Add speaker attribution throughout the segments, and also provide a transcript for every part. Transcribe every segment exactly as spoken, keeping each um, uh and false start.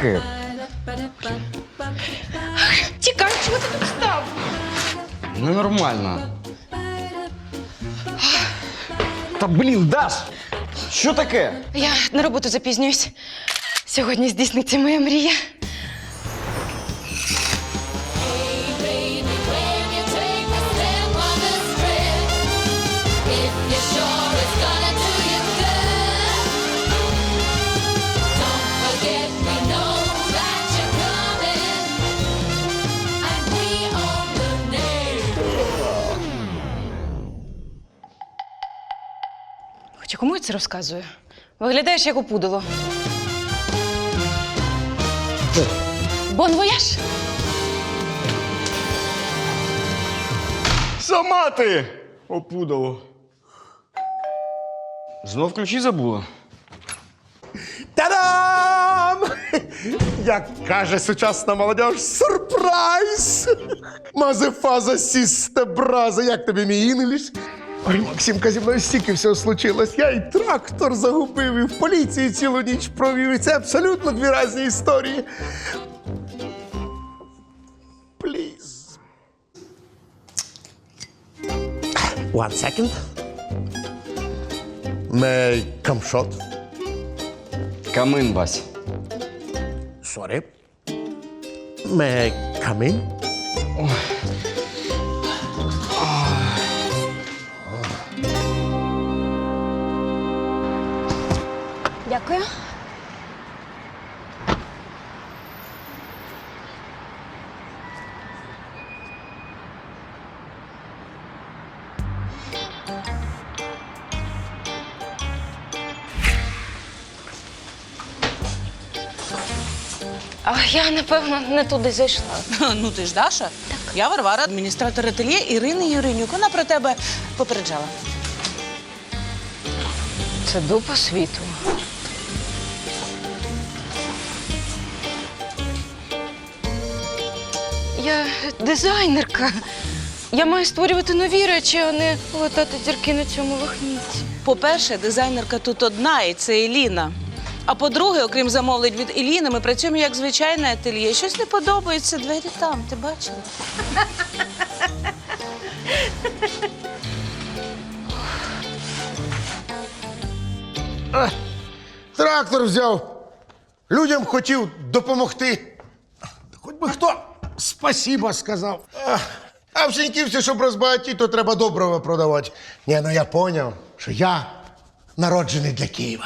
Speaker 1: таке?
Speaker 2: Тікай, чого ти тут став?
Speaker 1: Ненормально. Та блін, Даш! Що таке?
Speaker 2: Я на роботу запізнююсь. Сьогодні здійсниться моя мрія. Хоча кому я це розказую? Виглядаєш як опудало. Бон вояж!
Speaker 1: Сама ти! Опудало. Знов ключі забула?
Speaker 3: Та-дам! Як каже сучасна молодь, сюрприз! Мазефаза сісте браза, як тобі мій інгліш? Ой, Максимка, зі мною стільки всього случилось. Я і трактор загубив, і в поліції цілу ніч провів. І це абсолютно дві різні історії. Please. One second. May I come shot?
Speaker 1: Камин, Вась.
Speaker 3: Sorry. May I come in?
Speaker 2: Дякую. А я, напевно, не туди зайшла.
Speaker 4: Ну ти ж Даша? Так. Я Варвара, адміністратор ательє Ірини Юринюк. Вона про тебе попереджала.
Speaker 2: Це дупа світу. Я дизайнерка. Я маю створювати нові речі, а не латати зірки на цьому вихнітці.
Speaker 4: По-перше, дизайнерка тут одна, і це Еліна. А по-друге, окрім замовлень від Еліни, ми працюємо як звичайне ательє. Щось не подобається, двері там, ти бачила?
Speaker 3: Трактор взяв. Людям хотів допомогти. Хоч би хто спасіба сказав. А, а в Сіньківці, щоб розбагатіти, то треба доброго продавати. Ні, ну я поняв, що я народжений для Києва.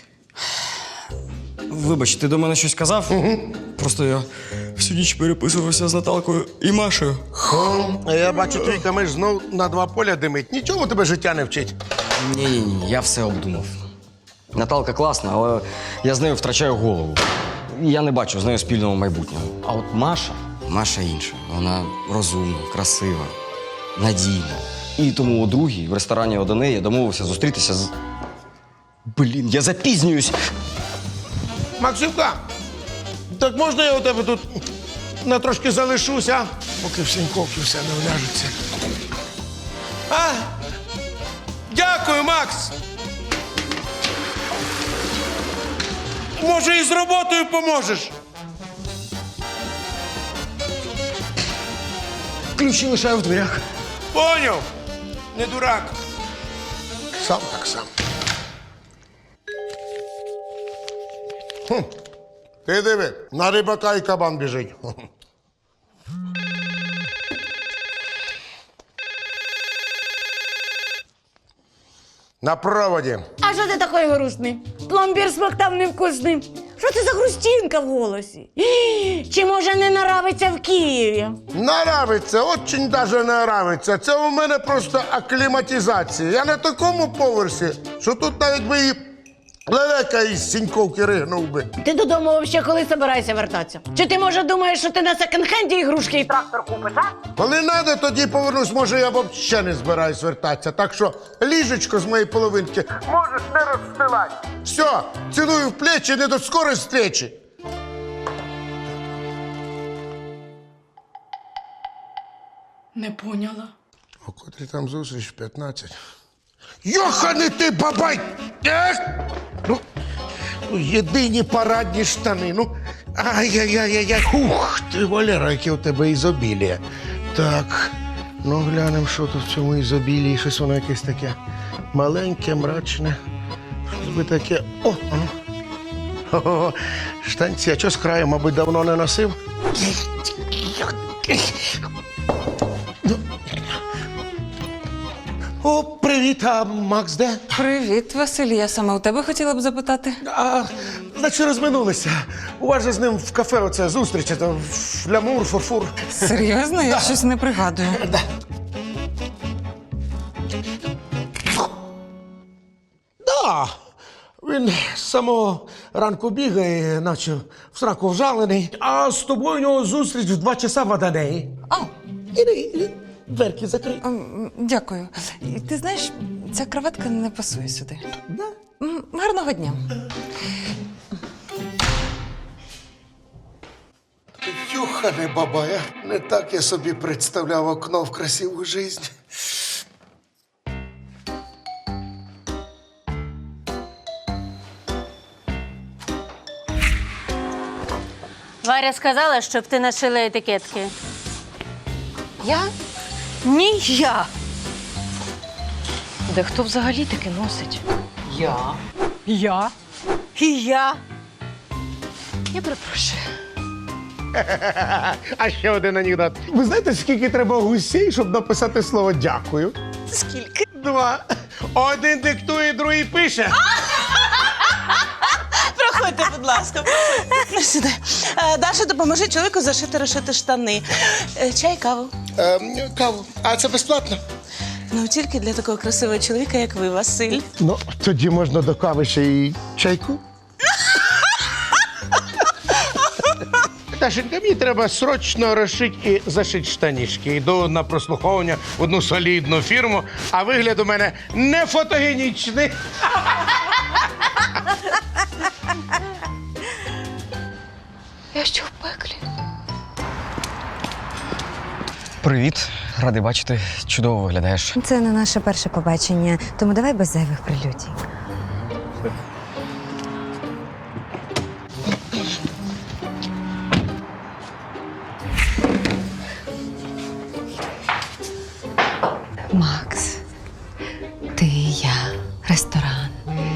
Speaker 1: Вибач, ти до мене щось казав? Угу. Просто я всю ніч переписувався з Наталкою і Машею.
Speaker 3: А я бачу, твій камиш знов на два поля димить. Нічому тебе життя не вчить.
Speaker 1: Ні-ні-ні, я все обдумав. Наталка класна, але я з нею втрачаю голову. Я не бачу з нею спільного майбутнього. А от Маша, Маша інша. Вона розумна, красива, надійна. І тому у другій в ресторані до неї домовився зустрітися з... Блін, я запізнююсь!
Speaker 3: Максимка, так можна я у тебе тут на трошки залишуся, поки в Сіньковці все не вляжеться? А? Дякую, Макс! Може, і з роботою поможеш?
Speaker 1: Ключі лишаю в дверях.
Speaker 3: Поняв? Не дурак. Сам так сам. Хм. Ти диви, на рибака і кабан біжить. На проводі.
Speaker 5: А що ти такий грустний? Пломбір смоктав невкусний. Що це за грустинка в голосі? Чи може не наравиться в Києві?
Speaker 3: Наравиться, очень даже наравиться. Це у мене просто акліматизація. Я на такому поверсі, що тут навіть би і лелека із Сіньковки ригнув би.
Speaker 5: Ти додому взагалі коли собираєшся вертатися? Чи ти, може, думаєш, що ти на секонд-хенді ігрушки і трактор купиш, а?
Speaker 3: Коли надо, тоді повернусь. Може, я взагалі не збираюсь вертатися. Так що ліжечко з моєї половинки можеш не розстилати. Все, цілую в плечі, не до скорої зустрічі.
Speaker 2: Не поняла.
Speaker 3: О котрій там зустріч? п'ятнадцять. Йоханий ти, бабай! Ех! Ну, ну, єдині парадні штани. Ну, Ай-яй-яй-яй-яй. Ух, ти, Валера, яке у тебе ізобілія. Так, ну глянемо, що тут в цьому ізобілії. Щось воно якесь таке маленьке, мрачне. Щось би таке. О, ану. Хо-хо-хо. Штанці, а що з краю, мабуть, давно не носив? О, привіт, а Макс де?
Speaker 6: Привіт, Василь. Я саме у тебе хотіла б запитати.
Speaker 3: А, наче розминулися. У вас же з ним в кафе оце зустріч, це флямур, фурфур.
Speaker 6: Серйозно? Я щось не пригадую.
Speaker 3: Да. Да. Він з самого ранку бігає, наче в сраку вжалений. А з тобою у нього зустріч в два часа в Аданеї.
Speaker 6: А,
Speaker 3: Іди, іди, дверки закрий.
Speaker 6: м, дякую. І ти знаєш, ця краватка не пасує сюди.
Speaker 3: Да.
Speaker 6: М, Гарного дня.
Speaker 3: Юхане бабая, не так я собі представляв окно в красиву жизнь.
Speaker 7: Варя сказала, щоб ти нашила етикетки.
Speaker 2: Я? Ні, я. Де хто взагалі таке носить?
Speaker 6: Я.
Speaker 5: Я. І я.
Speaker 2: Я перепрошую.
Speaker 3: А ще один анекдот. Ви знаєте, скільки треба гусей, щоб написати слово дякую?
Speaker 4: Скільки?
Speaker 3: Два. Один диктує, другий пише.
Speaker 4: Проходьте, будь ласка, проходьте. Сюди. Е, Даша, допоможи чоловіку зашити, розшити штани. Е, Чай, каву.
Speaker 3: Ем, каву. А це безплатно?
Speaker 4: Ну, тільки для такого красивого чоловіка, як ви, Василь.
Speaker 3: Ну, тоді можна до кави ще й чайку. Дашенька, мені треба срочно розшити і зашити штанішки. Йду на прослуховування в одну солідну фірму, а вигляд у мене не фотогенічний.
Speaker 2: Я що в пеклі?
Speaker 1: Привіт, радий бачити. Чудово виглядаєш.
Speaker 8: Це не наше перше побачення, тому давай без зайвих прелюдій. Макс, ти і я, ресторан.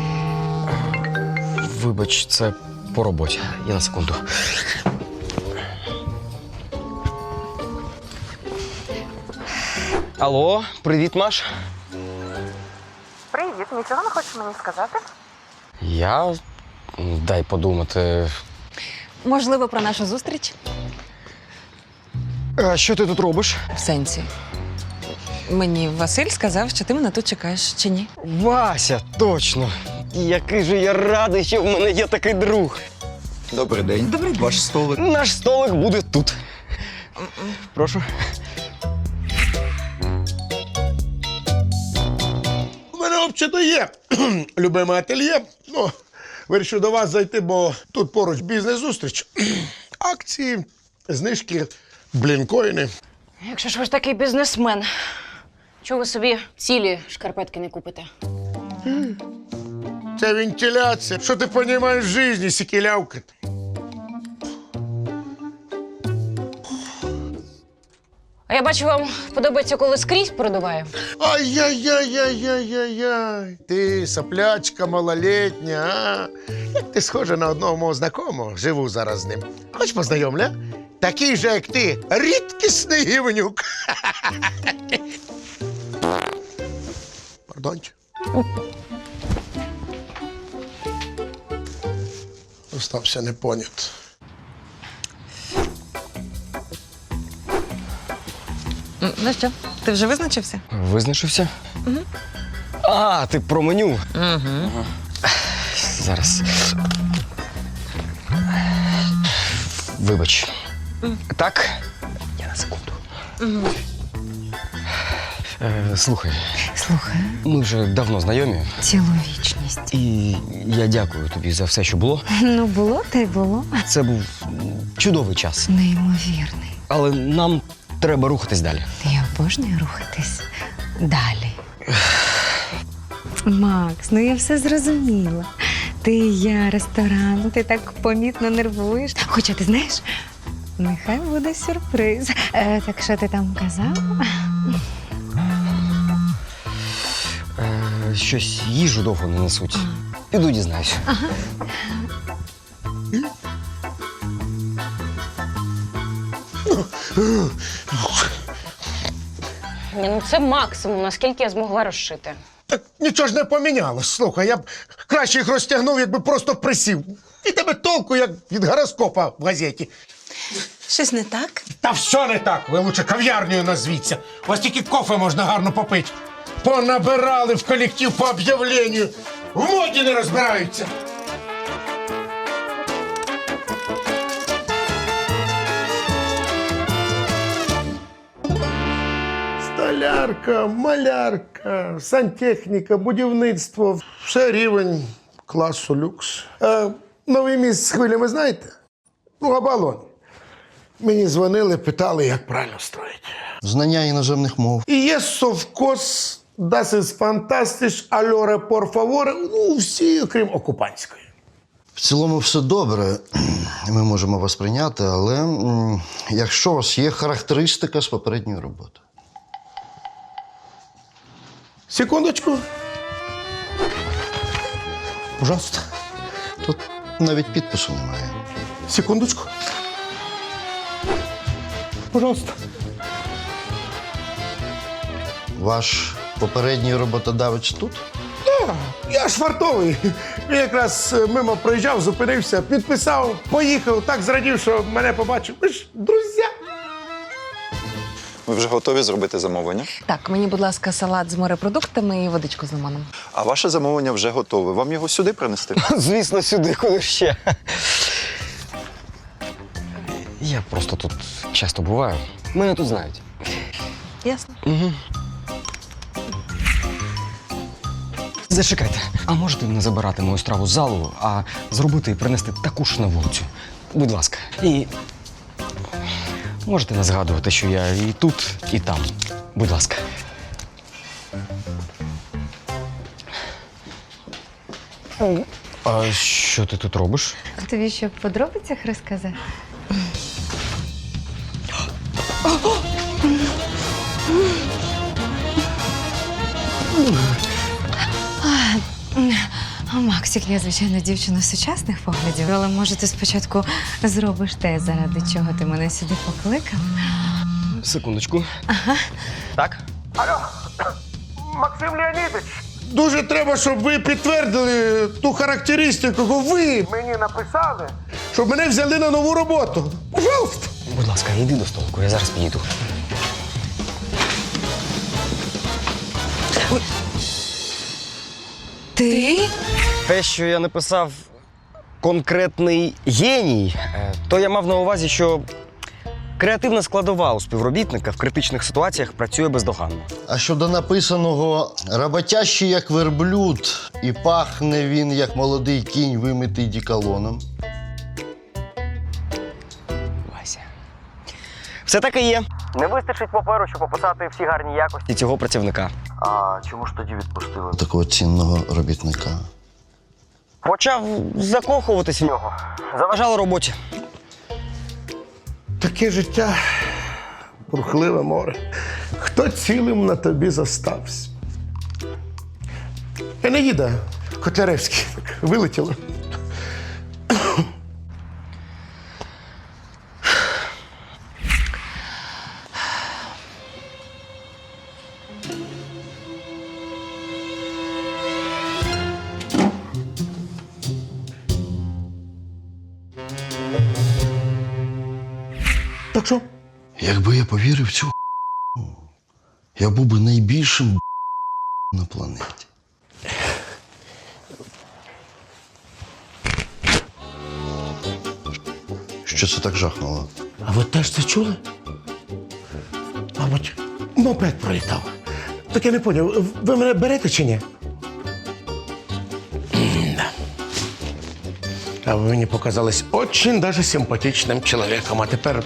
Speaker 1: Вибач, це по роботі. Я на секунду. Алло, привіт, Маш.
Speaker 6: Привіт, нічого не хочеш мені сказати?
Speaker 1: Я. Дай подумати.
Speaker 8: Можливо, про нашу зустріч?
Speaker 1: А що ти тут робиш?
Speaker 6: В сенсі. Мені Василь сказав, що ти мене тут чекаєш, чи ні?
Speaker 1: Вася, точно. Який же я радий, що в мене є такий друг.
Speaker 9: Добрий день. Добрий день. Ваш столик.
Speaker 1: Наш столик буде тут. Прошу.
Speaker 3: У мене взагалі є любиме ательє. Ну, вирішив до вас зайти, бо тут поруч бізнес-зустріч. Акції, знижки, блінкоїни.
Speaker 2: Якщо ж ви ж такий бізнесмен, чого ви собі цілі шкарпетки не купите?
Speaker 3: Це вентиляція. Що ти розумієш в житті, сікілявка?
Speaker 2: А я бачу, вам подобається, коли скрізь продуває.
Speaker 3: Ай-яй-яй-яй-яй-яй. Ти соплячка малолетня, а? Як ти схожа на одного мого знайомого, живу зараз з ним. Хоч познайомля? Такий же, як ти, рідкісний гівнюк. Пардончик. Остався непонят.
Speaker 6: М, Ну що, ти вже визначився?
Speaker 1: Визначився? Угу. А, ти про меню.
Speaker 6: Угу.
Speaker 1: Зараз. Вибач. Так? Я на секунду.
Speaker 6: Угу.
Speaker 1: Е, слухай,
Speaker 8: Слухай,
Speaker 1: ми вже давно знайомі,
Speaker 8: цілу вічність.
Speaker 1: і я дякую тобі за все, що було.
Speaker 8: Ну, було та й було.
Speaker 1: Це був чудовий час.
Speaker 8: Неймовірний.
Speaker 1: Але нам треба рухатись далі.
Speaker 8: Я обожнюю рухатись далі. Макс, ну я все зрозуміла. Ти і я, ресторан, ти так помітно нервуєш. Хоча ти знаєш, нехай буде сюрприз. Е, так що ти там казав?
Speaker 1: Е, щось їжу довго не несуть. Піду дізнаюся.
Speaker 2: Ні, ну це максимум, наскільки я змогла розшити.
Speaker 3: Так нічого ж не помінялось. Слухай, я б краще їх розтягнув, якби просто присів. І тебе толку, як від гороскопа в газеті.
Speaker 4: Щось не так?
Speaker 3: Та все не так. Ви лучше кав'ярнею назвіться. У вас тільки кофе можна гарно попити. Понабирали в колектив по об'явленню. В моді не розбираються. Столярка, малярка, сантехніка, будівництво. Все рівень класу люкс. Е, новий міст з хвилями знаєте? Ну, Оболонь. Мені дзвонили, питали, як правильно строїти.
Speaker 9: Знання іноземних мов.
Speaker 3: І є совкос, das ist fantastisch, allora por favore, ну, всі, окрім окупанської.
Speaker 9: В цілому все добре. Ми можемо вас прийняти, але м, якщо у вас є характеристика з попередньої роботи.
Speaker 3: Секундочку. Пожалуйста.
Speaker 9: Тут навіть підпису немає.
Speaker 3: Секундочку. Пожалуйста.
Speaker 9: Ваш попередній роботодавець тут?
Speaker 3: А, я ж фартовий. Він якраз е, мимо проїжджав, зупинився, підписав, поїхав, так зрадів, що мене побачив. Ми ж друзі.
Speaker 9: Ви вже готові зробити замовлення?
Speaker 6: Так, мені, будь ласка, салат з морепродуктами і водичку з лимоном.
Speaker 9: А ваше замовлення вже готове. Вам його сюди принести?
Speaker 1: Звісно, сюди, куди ж ще. Я просто тут часто буваю. Мене тут знають.
Speaker 6: Ясно.
Speaker 1: Угу. Зачекайте, а можете не забирати мою страву з залу, а зробити і принести таку ж на вулицю? Будь ласка. І можете не згадувати, що я і тут, і там. Будь ласка. А що ти тут робиш?
Speaker 8: Тобі що, в подробицях розказати? А, Максик, я, звичайно, дівчина сучасних поглядів, але може ти спочатку зробиш те, заради чого ти мене сюди покликав?
Speaker 1: Секундочку. Ага. Так?
Speaker 3: Максим Леонідович, дуже треба, щоб ви підтвердили ту характеристику, яку ви мені написали, щоб мене взяли на нову роботу. Пожалуйста.
Speaker 1: Будь ласка, йди до столику, я зараз підійду.
Speaker 8: Ти?
Speaker 1: Те, що я написав конкретний геній, е, то я мав на увазі, що креативна складова у співробітника в критичних ситуаціях працює бездоганно.
Speaker 9: А щодо написаного «роботящий як верблюд» і пахне він як молодий кінь, вимитий діколоном.
Speaker 1: Вася. Все так і є. Не вистачить паперу, щоб описати всі гарні якості цього працівника.
Speaker 9: А чому ж тоді відпустили такого цінного робітника?
Speaker 1: Почав закохуватись в нього. Заважало роботі.
Speaker 3: Таке життя, бурхливе море. Хто цілим на тобі зостався? Енеїда Котляревський вилетіла. Так що?
Speaker 9: Якби я повірив в цю я був би найбільшим на планеті. Що це так жахнуло?
Speaker 3: А ви теж це чули? Мабуть, мопед пролітав. Так я не поняв, ви мене берете чи ні? Да. А ви мені показались очень даже симпатичним чоловіком, а тепер...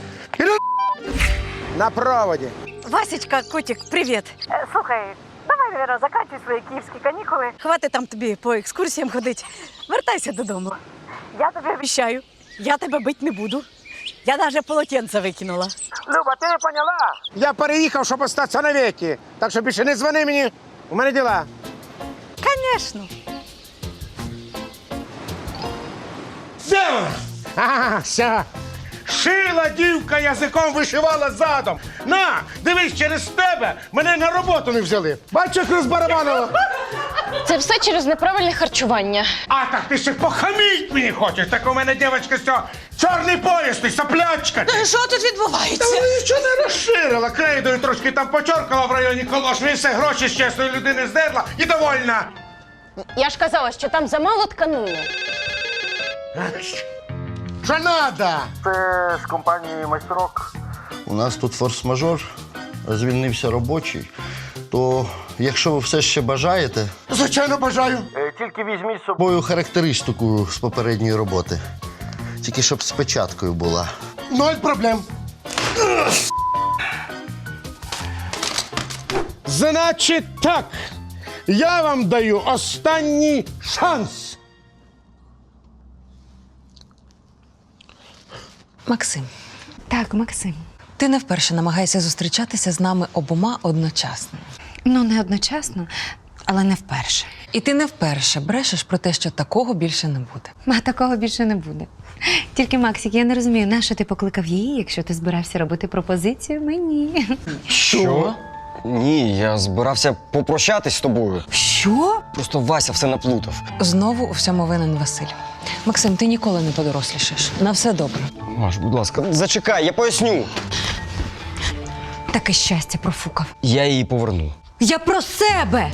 Speaker 10: На проводі.
Speaker 5: Васечка, котик, привіт.
Speaker 7: Слухай, давай
Speaker 5: Віра, заканчуй свої київські канікули. Хватить там тобі по екскурсіям ходити. Вертайся додому. Я тобі обіцяю, я тебе бить не буду. Я навіть полотенце викинула.
Speaker 3: Люба, ти не поняла? Я переїхав, щоб остатися навіки. Так що більше не дзвони мені. У мене діла.
Speaker 5: Звісно.
Speaker 3: Де вона? Ага, все. Шила дівка язиком, вишивала задом. На, дивись, через тебе мене на роботу не взяли. Бачиш, як розбарабанила?
Speaker 2: Це все через неправильне харчування.
Speaker 3: А так ти ще похаміть мені хочеш. Так у мене дівчинка з цього чорний пояс, ти соплячка. ти.
Speaker 4: Що тут
Speaker 3: Та
Speaker 4: відбувається?
Speaker 3: вона нічого не розширила. Крейдою трошки там почоркала в районі колошви, і все, гроші з чесної людини здерла і довольна.
Speaker 2: Я ж казала, що там замало тканини.
Speaker 3: Що надо?
Speaker 9: Це з компанії майстрок. У нас тут форс-мажор, звільнився робочий. То якщо ви все ще бажаєте,
Speaker 3: Звичайно, бажаю.
Speaker 9: тільки візьміть з собою характеристику з попередньої роботи. Тільки щоб з печаткою була.
Speaker 3: Ноль проблем. Значить так, я вам даю останній шанс.
Speaker 6: Максим,
Speaker 8: Так, Максим.
Speaker 6: ти не вперше намагаєшся зустрічатися з нами обома одночасно.
Speaker 8: Ну, не одночасно, але не вперше.
Speaker 6: І ти не вперше брешеш про те, що такого більше не буде.
Speaker 8: А такого більше не буде. Тільки, Максик, я не розумію, нащо ти покликав її, якщо ти збирався робити пропозицію мені.
Speaker 1: Що? Ні, я збирався попрощатись з тобою.
Speaker 8: Що?
Speaker 1: Просто Вася все наплутав.
Speaker 6: Знову у всьому винен Василь. Максим, ти ніколи не подорослішаєш. На все добре.
Speaker 1: Маш, будь ласка, зачекай, я поясню.
Speaker 8: Таке щастя профукав.
Speaker 1: Я її поверну.
Speaker 8: Я про себе!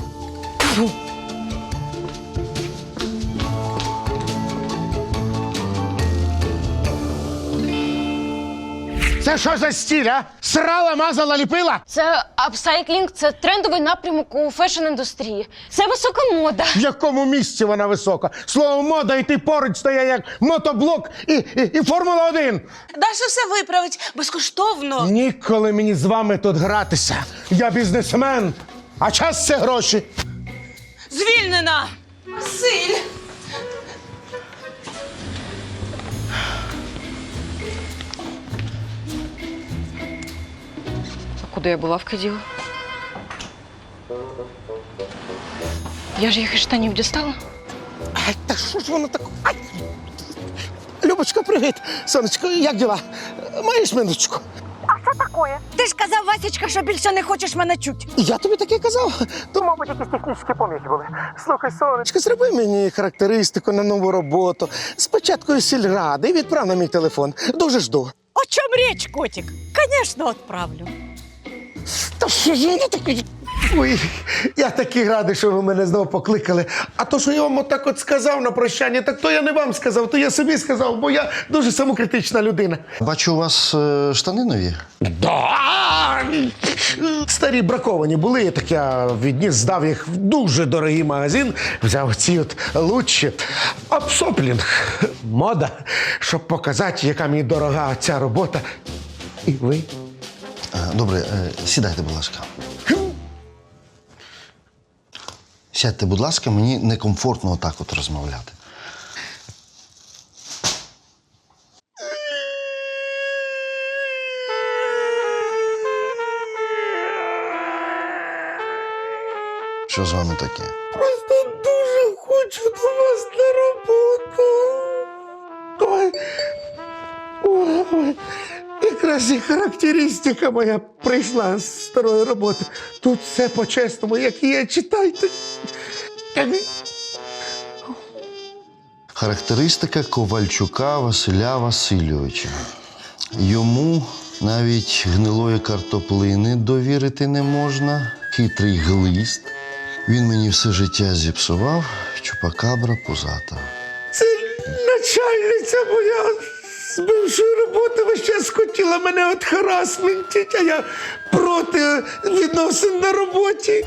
Speaker 3: Це що за стіль, а? Срала, мазала, ліпила?
Speaker 2: Це апсайклінг, це трендовий напрямок у фешн-індустрії. Це висока мода.
Speaker 3: В якому місці вона висока? Слово мода і ти поруч стоять як мотоблок і, і, і Формула один.
Speaker 4: Даша все виправить безкоштовно.
Speaker 3: Ніколи мені з вами тут гратися. Я бізнесмен, а час – це гроші.
Speaker 4: Звільнена! Василь!
Speaker 2: Куди я булавки діла? Я ж їх із штанів дістала.
Speaker 3: Ай, та що ж воно так? Ай! Любочка, привіт. Сонечко, як діла? Маєш минуточку?
Speaker 5: Ти ж казав, Васечка, що більше не хочеш мене чути.
Speaker 3: Я тобі таке казав. То, мабуть, якісь технічні поміхи були. Слухай, сонечко, зроби мені характеристику на нову роботу. Спочатку із сільради і відправ на мій телефон. Дуже жду.
Speaker 5: О чому річ, котик? Звісно, відправлю.
Speaker 3: Та що ж воно таке? Ой, я такий радий, що ви мене знову покликали. А то, що я вам отак от сказав на прощання, так то я не вам сказав, то я собі сказав, бо я дуже самокритична людина.
Speaker 9: Бачу, у вас е, штани нові.
Speaker 3: Да! Старі браковані були, так я відніс, здав їх в дуже дорогий магазин, взяв ці от лучші. Апсоплінг. Мода, щоб показати, яка мені дорога ця робота. І ви?
Speaker 9: Е, Добре, е, сідайте, будь ласка. Сядьте, будь ласка, мені некомфортно отак от розмовляти. Що з вами таке?
Speaker 3: Просто дуже хочу до вас на роботу. Ой, ой, ой. Якраз і характеристика моя прийшла з старої роботи. Тут все по-чесному, як є, читайте.
Speaker 9: Характеристика Ковальчука Василя Васильовича. Йому навіть гнилої картоплини довірити не можна. Хитрий глист. Він мені все життя зіпсував, чупакабра пузата.
Speaker 3: Це начальниця моя з бившої роботи весь час хотіла мене от харасментити, а я проти відносин на роботі.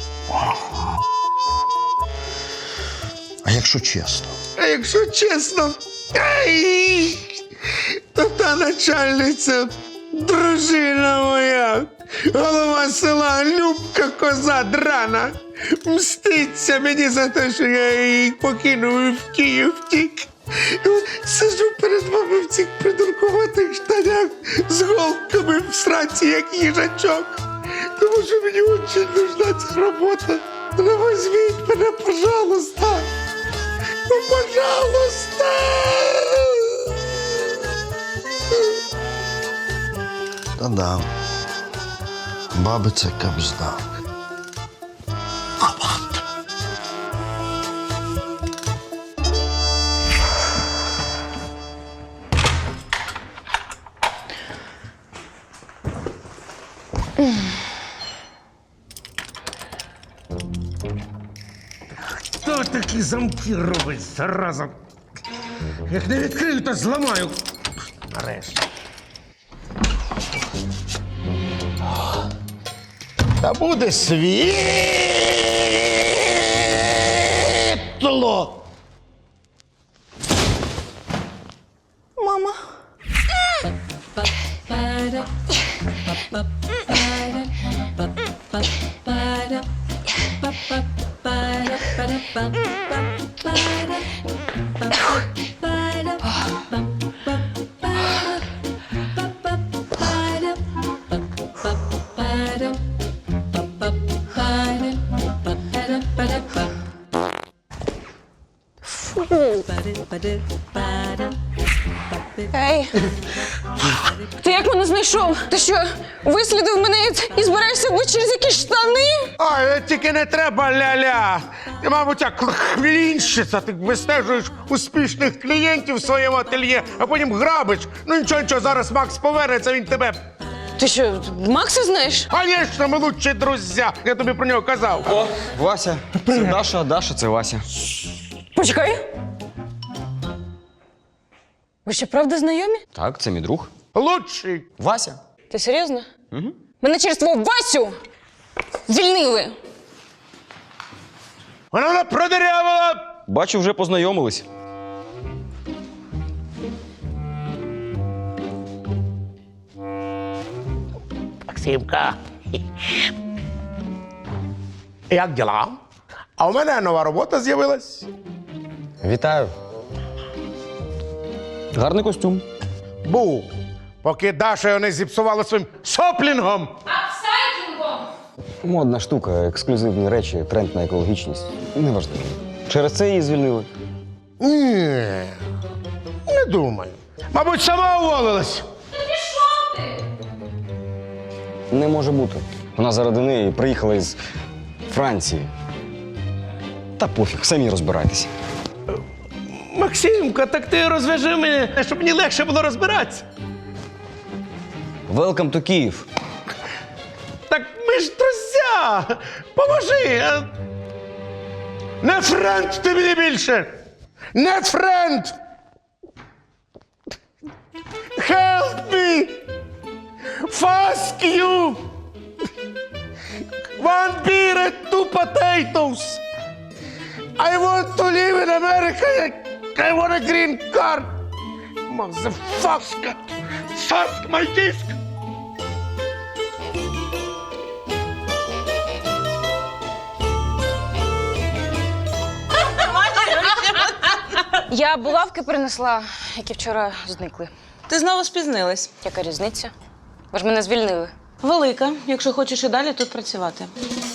Speaker 9: А якщо чесно?
Speaker 3: А якщо чесно, ай, то та начальниця дружина моя. Моя голова села Любка коза драна мститься мені за те, що я її покинув і в Київ втік. І от сиджу перед вами в цих придуркуватих штанях з голками в сраці, як їжачок. Тому що мені дуже нужна ця робота. Ну, візьміть мене, пожалуйста. Ну, пожалуйста.
Speaker 9: Та-да. Баби це кабзда.
Speaker 3: Хто такі замки робить, зараза? Як не відкрию, то зламаю. Нарешті. Та буде світло.
Speaker 2: Мама. Ей, ти як мене знайшов? Ти що, вислідив мене і- і збираєшся вбити через якісь штани?
Speaker 3: Ой, тільки не треба ля-ля. Ти, мабуть, як хвілінщиця, ти вистежуєш успішних клієнтів в своєму ательє, а потім грабиш. Ну нічого, нічого, зараз Макс повернеться, він тебе.
Speaker 2: Ти що, Макса знаєш?
Speaker 3: Звісно, ми лучші друзі. Я тобі про нього казав.
Speaker 1: О, Вася. Це Даша, а Даша це Вася.
Speaker 2: Почекай. Ви що, правда знайомі?
Speaker 1: Так, це мій друг.
Speaker 3: Лучший.
Speaker 1: Вася.
Speaker 2: Ти серйозно? Угу. Мене через твого Васю звільнили.
Speaker 3: Вона мене продирявила.
Speaker 1: Бачу, вже познайомились.
Speaker 3: Максимка. Як діла? А у мене нова робота з'явилась.
Speaker 1: Вітаю. Гарний костюм.
Speaker 3: Був. Поки Даша його не зіпсувала своїм соплінгом.
Speaker 1: Модна штука, ексклюзивні речі, тренд на екологічність. Неважливо. Через це її звільнили.
Speaker 3: Ні, не думаю. Мабуть, сама уволилась.
Speaker 1: Не може бути. Вона заради неї приїхала із Франції. Та пофіг, самі розбирайтеся.
Speaker 3: Максимка, так ти розв'яжи мене, щоб мені легше було розбиратися.
Speaker 1: Welcome to Київ.
Speaker 3: Так ми ж друзі! Поможи! а? Не френд ти мені більше! Не френд! Help me! Fuck you! One beer and two potatoes! I want to live in America! I want a green card! Motherfucker! Suck my dick!
Speaker 2: Я булавки принесла, які вчора зникли.
Speaker 4: Ти знову спізнилась.
Speaker 2: Яка різниця? Ви ж мене звільнили.
Speaker 4: Велика, якщо хочеш і далі тут працювати.